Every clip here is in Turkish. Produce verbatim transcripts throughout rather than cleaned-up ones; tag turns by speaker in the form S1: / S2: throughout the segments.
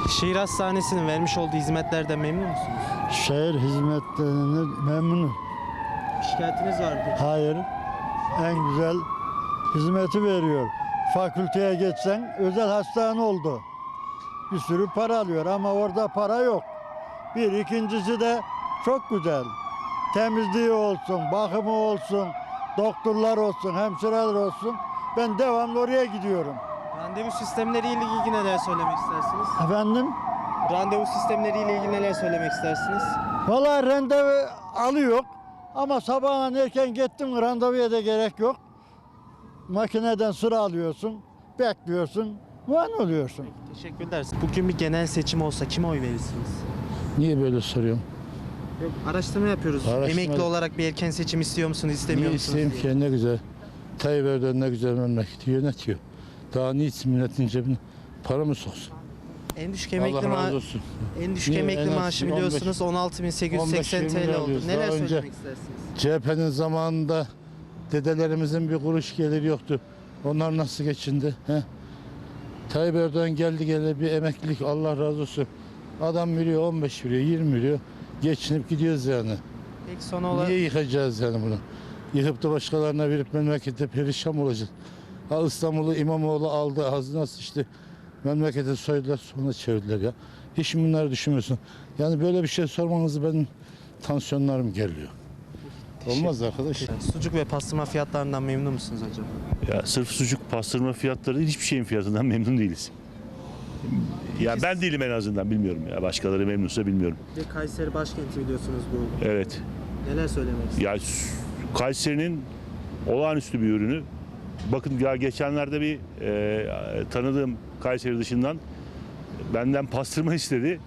S1: Şehir Hastanesi'nin vermiş olduğu hizmetlerden memnun musunuz?
S2: Şehir hizmetlerinden memnunum.
S1: Şikayetiniz var mı peki?
S2: Hayır, en güzel hizmeti veriyor. Fakülteye geçsen özel hastane oldu. Bir sürü para alıyor ama orada para yok. Bir, ikincisi de çok güzel. Temizliği olsun, bakımı olsun, doktorlar olsun, hemşireler olsun. Ben devamlı oraya gidiyorum.
S1: Randevu sistemleriyle ilgili neler söylemek istersiniz?
S2: Efendim?
S1: Randevu sistemleriyle ilgili neler söylemek istersiniz?
S2: Vallahi randevu alıyor ama sabahın erken gittim mi randevuya da gerek yok. Makineden sıra alıyorsun, bekliyorsun, muayene oluyorsun.
S1: Teşekkürler. Bugün bir genel seçim olsa kime oy verirsiniz?
S2: Niye böyle soruyorsun?
S1: Yok, araştırma yapıyoruz.
S2: Araştırma-
S1: Emekli olarak bir erken seçim istiyor musunuz, istemiyor
S2: Niye
S1: musunuz
S2: isteyeyim
S1: diye.
S2: ki ne güzel. Tayyip Erdoğan ne güzel memleketi yönetiyor. Daha niçin milletin cebine para mı soksun?
S1: En düşük emekli
S2: Allah razı
S1: maaşı
S2: olsun.
S1: en düşük
S2: Niye?
S1: emekli
S2: En az
S1: maaşı
S2: on beş
S1: biliyorsunuz on altı bin sekiz yüz seksen
S2: on beş yirmi
S1: T L oldu.
S2: alıyoruz.
S1: Neler
S2: Daha önce-
S1: söylemek istersiniz?
S2: C H P'nin zamanında dedelerimizin bir kuruş geliri yoktu. Onlar nasıl geçindi? He? Tayyip Erdoğan geldi geldi bir emeklilik Allah razı olsun. Adam veriyor on beş veriyor yirmi veriyor. Geçinip gidiyoruz yani.
S1: Peki son olarak
S2: Niye yıkacağız yani bunu? Yıkıp da başkalarına verip memlekette perişan mı olacak? Ha İstanbul'u İmamoğlu aldı ağzına sıçtı. Memlekete soydular sonra çevirdiler ya. Hiç bunları düşünmüyorsun. Yani böyle bir şey sormanızı benim tansiyonlarım geliyor. Olmaz arkadaş.
S1: sucuk ve pastırma fiyatlarından memnun musunuz acaba?
S3: Ya sırf sucuk pastırma fiyatları değil, hiçbir şeyin fiyatından memnun değiliz. Ya ben değilim en azından, bilmiyorum ya. Başkaları memnunsa bilmiyorum.
S1: Bir de Kayseri başkenti biliyorsunuz bu.
S3: Evet.
S1: Neler söylemek istersiniz?
S3: Ya s- Kayseri'nin olağanüstü bir ürünü. Bakın ya geçenlerde bir e, tanıdığım Kayseri dışından benden pastırma istedi.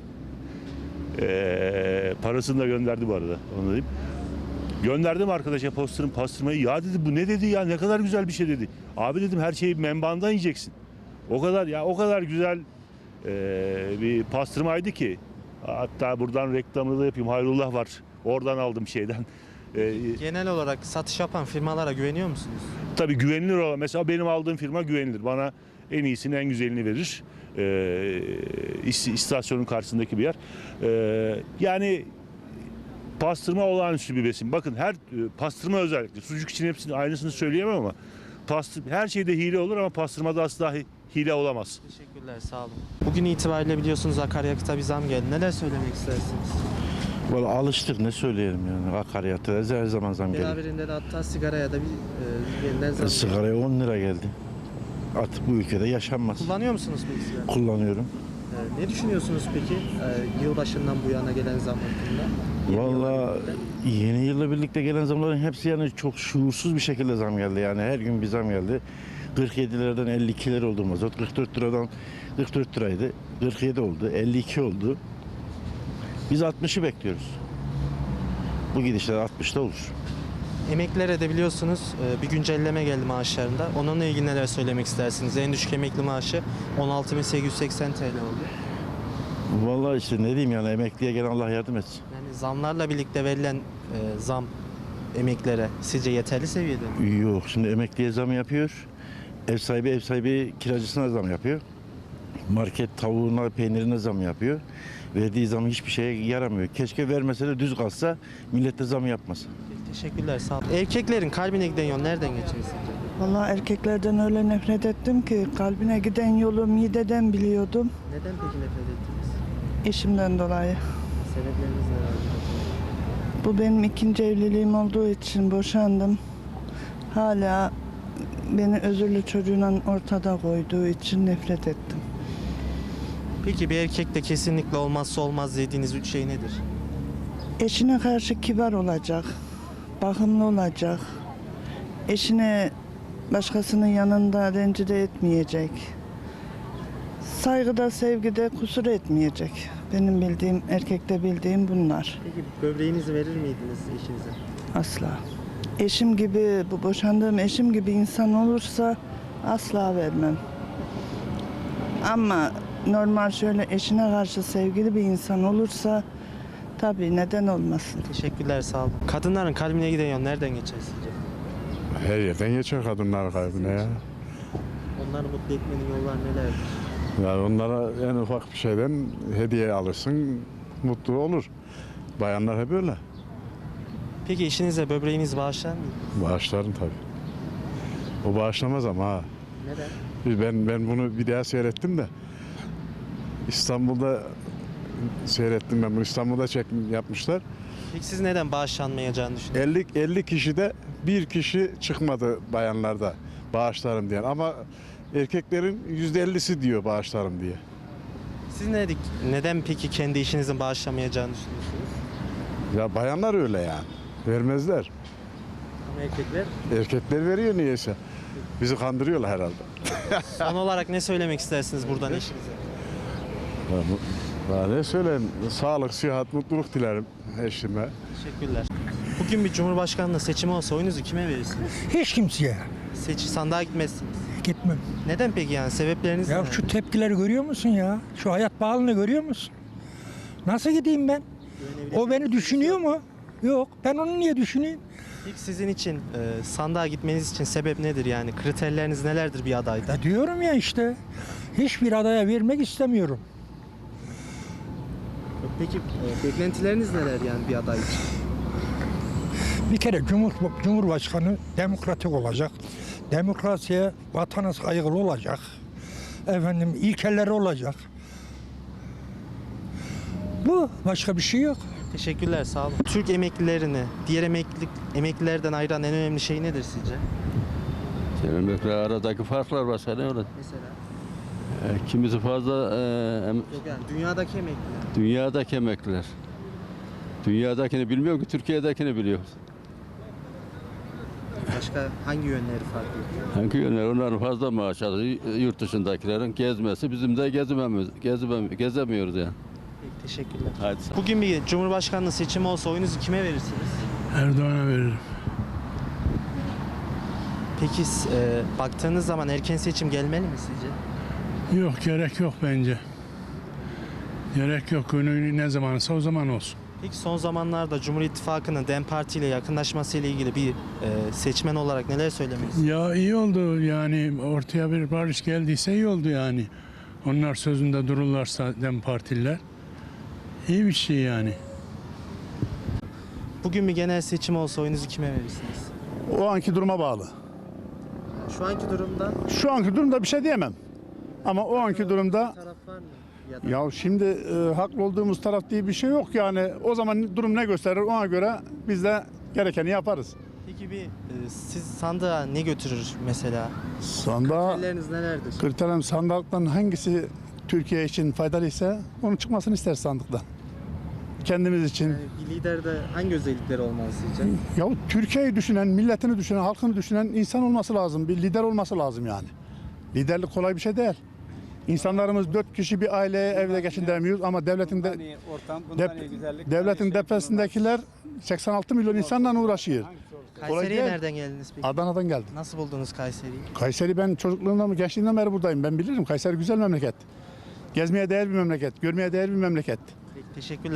S3: E, parasını da gönderdi bu arada. Onu diyeyim. Gönderdim arkadaşa pastırm, pastırmayı. Ya dedi bu ne dedi ya, ne kadar güzel bir şey dedi. Abi dedim her şeyi menbaandan yiyeceksin. O kadar ya o kadar güzel e, bir pastırmaydı ki. Hatta buradan reklamını da yapayım. Hayrullah var. Oradan aldım şeyden. E,
S1: Genel olarak satış yapan firmalara güveniyor musunuz?
S3: tabii güvenilir olan. Mesela benim aldığım firma güvenilir. Bana en iyisini, en güzelini verir. E, is- istasyonun karşısındaki bir yer. E, yani pastırma olağanüstü bir besin. Bakın her e, pastırma özellikle. Sucuk için hepsinin aynısını söyleyemem ama pastır, her şeyde hile olur ama pastırmada asla hi- hile olamaz.
S1: Teşekkürler, sağ olun. Bugün itibariyle biliyorsunuz akaryakıta bir zam geldi. Neler söylemek istersiniz?
S4: Valla alıştık ne söyleyelim yani akaryakıta her zaman zam geliyor.
S1: Beraberinde de hatta sigaraya da bir e, yeniden zam geldi.
S4: Sigaraya on lira geldi. Artık bu ülkede yaşanmaz.
S1: Kullanıyor musunuz peki sigara?
S4: Kullanıyorum.
S1: E, ne düşünüyorsunuz peki e, yılbaşından bu yana gelen zam hakkında? Yeni yılla
S4: Valla
S1: birlikte.
S4: yeni yılla birlikte gelen zamların hepsi yani çok şuursuz bir şekilde zam geldi. Yani her gün bir zam geldi. kırk yedilerden elli ikiler oldu mazot. kırk dört liradan kırk dört liraydı. kırk yedi oldu. elli iki oldu. Biz altmışı bekliyoruz. Bu gidişler altmışta olur.
S1: Emeklilere de biliyorsunuz e, bir güncelleme geldi maaşlarında. Onunla ilgili neler söylemek istersiniz? En düşük emekli maaşı on altı bin sekiz yüz seksen T L oldu.
S4: Vallahi işte ne diyeyim yani emekliye gelen Allah yardım etsin.
S1: Yani zamlarla birlikte verilen e, zam emeklilere sizce yeterli seviyede mi?
S4: Yok şimdi emekliye zam yapıyor. Ev sahibi ev sahibi kiracısına zam yapıyor. Market tavuğuna peynirine zam yapıyor. Verdiği zam hiçbir şeye yaramıyor. Keşke vermese de düz kalsa millet de zam yapmasa.
S1: Teşekkürler, sağ olun. Erkeklerin kalbine giden yol nereden geçiyor sizce?
S5: Vallahi erkeklerden öyle nefret ettim ki kalbine giden yolu mideden biliyordum.
S1: Neden peki nefret ettiniz?
S5: Eşimden dolayı.
S1: Sebepleriniz neler?
S5: Bu benim ikinci evliliğim olduğu için boşandım. Hala beni özürlü çocuğuyla ortada koyduğu için nefret ettim.
S1: Peki bir erkekte kesinlikle olmazsa olmaz dediğiniz üç şey nedir?
S5: Eşine karşı kibar olacak, bakımlı olacak. Eşine başkasının yanında rencide etmeyecek. Saygıda, sevgide kusur etmeyecek. Benim bildiğim, erkekte bildiğim bunlar.
S1: Peki böbreğinizi verir miydiniz eşinize?
S5: Asla. Eşim gibi, bu boşandığım eşim gibi insan olursa asla vermem. Ama normal şöyle eşine karşı sevgili bir insan olursa tabii neden olmasın.
S1: Teşekkürler, sağ olun. Kadınların kalbine giden yol nereden geçer sizce?
S6: Her yerden geçiyor kadınlar kalbine ya.
S1: Onları mutlu etmenin yolları nelerdir?
S6: Yani onlara en ufak bir şeyden hediye alırsın, mutlu olur. Bayanlar hep öyle.
S1: Peki eşinize böbreğiniz bağışlar mı?
S6: Bağışlarım tabii. O bağışlamaz ama ha.
S1: Neden?
S6: Ben ben bunu bir daha seyrettim de İstanbul'da seyrettim ben bunu. İstanbul'da çekim yapmışlar.
S1: Peki siz neden bağışlanmayacağını düşünüyorsunuz?
S6: elli elli kişide bir kişi çıkmadı bayanlarda bağışlarım diyen ama erkeklerin yüzde ellisi diyor bağışlarım diye.
S1: Siz ne dedik? Neden peki kendi eşinizin bağışlamayacağını düşünüyorsunuz?
S6: Ya bayanlar öyle yani. Vermezler.
S1: Ama erkekler.
S6: Erkekler veriyor niyeyse. Bizi kandırıyorlar herhalde.
S1: Son olarak ne söylemek istersiniz buradan eşinize?
S6: Ya bu- ya ne söyleyeyim? Sağlık, sıhhat, mutluluk dilerim eşime.
S1: Teşekkürler. Bugün bir cumhurbaşkanlığı seçimi olsa oyunuzu kime verirsiniz?
S7: Hiç kimseye
S1: Seç, sandığa gitmezsiniz.
S7: gitmem.
S1: Neden peki yani? Sebepleriniz
S7: Ya
S1: ne?
S7: şu tepkileri görüyor musun ya? Şu hayat pahalılığını görüyor musun? Nasıl gideyim ben? O beni düşünüyor mu? Yok. Ben onu niye düşüneyim?
S1: İlk sizin için e, sandığa gitmeniz için sebep nedir yani? Kriterleriniz nelerdir bir adayda?
S7: Ya diyorum ya işte. Hiçbir adaya vermek istemiyorum.
S1: Peki e, beklentileriniz neler yani bir aday için?
S7: Bir kere Cumhur, Cumhurbaşkanı demokratik olacak. Demokrasiye, vatana saygılı olacak. Efendim ilkeleri olacak. Bu. Başka bir şey yok.
S1: Teşekkürler, sağ olun. Türk emeklilerini diğer emeklilik, emeklilerden ayıran en önemli şey nedir sizce?
S8: Emekliler aradaki farklar var sana öyle.
S1: Mesela?
S8: E, kimisi fazla e, em-
S1: Yok yani dünyadaki emekliler.
S8: dünyadaki emekliler. Dünyadakini bilmiyor ki Türkiye'dekini biliyor.
S1: Başka hangi yönleri farklı?
S8: Hangi yönler onların fazla maaş alıyor. Yurt dışındakilerin gezmesi bizim de gezmemiz, gezmem, gezemiyoruz yani.
S1: Peki, teşekkürler.
S8: Hadi sağ ol.
S1: Bugün bir cumhurbaşkanlığı seçimi olsa oyunuzu kime verirsiniz?
S9: Erdoğan'a veririm.
S1: Peki e, baktığınız zaman erken seçim gelmeli mi sizce?
S9: Yok gerek yok bence. Gerek yok. Günü ne zamansa o zaman olsun.
S1: Peki son zamanlarda Cumhur İttifakı'nın DEM Parti ile yakınlaşması ile ilgili bir e, seçmen olarak neler söylemek istiyorsunuz?
S9: Ya iyi oldu yani ortaya bir barış geldiyse iyi oldu yani. Onlar sözünde dururlarsa Dem Partililer. İyi bir şey yani.
S1: Bugün bir genel seçim olsa oyunuzu kime verirsiniz?
S10: O anki duruma bağlı.
S1: Şu anki durumda
S10: Şu anki durumda bir şey diyemem. Ama o anki durumda
S1: taraf var mı? Ya da
S10: ya şimdi e, haklı olduğumuz taraf diye bir şey yok yani. O zaman durum ne gösterir ona göre biz de gerekeni yaparız.
S1: Peki bir e, siz sandığa ne götürür mesela?
S10: Sandığa
S1: Kriterleriniz nelerdir?
S10: kriterim sandıktan hangisi Türkiye için faydalıysa onun çıkmasını ister sandıktan. Kendimiz için.
S1: Yani bir liderde hangi özellikleri olmalı sizce?
S10: Ya Türkiye'yi düşünen, milletini düşünen, halkını düşünen insan olması lazım. Bir lider olması lazım yani. Liderlik kolay bir şey değil. İnsanlarımız dört kişi bir aileye evde geçindiremiyoruz ama devletin de, dep- devletin depresindekiler seksen altı milyon insanla uğraşıyor.
S1: Kayseri'ye
S10: değil.
S1: nereden geldiniz peki?
S10: Adana'dan geldim.
S1: Nasıl buldunuz Kayseri'yi?
S10: Kayseri ben çocukluğumdan mı gençliğimden beri buradayım. Ben bilirim. Kayseri güzel memleket. Gezmeye değer bir memleket. Görmeye değer bir memleket.
S1: Peki, teşekkürler.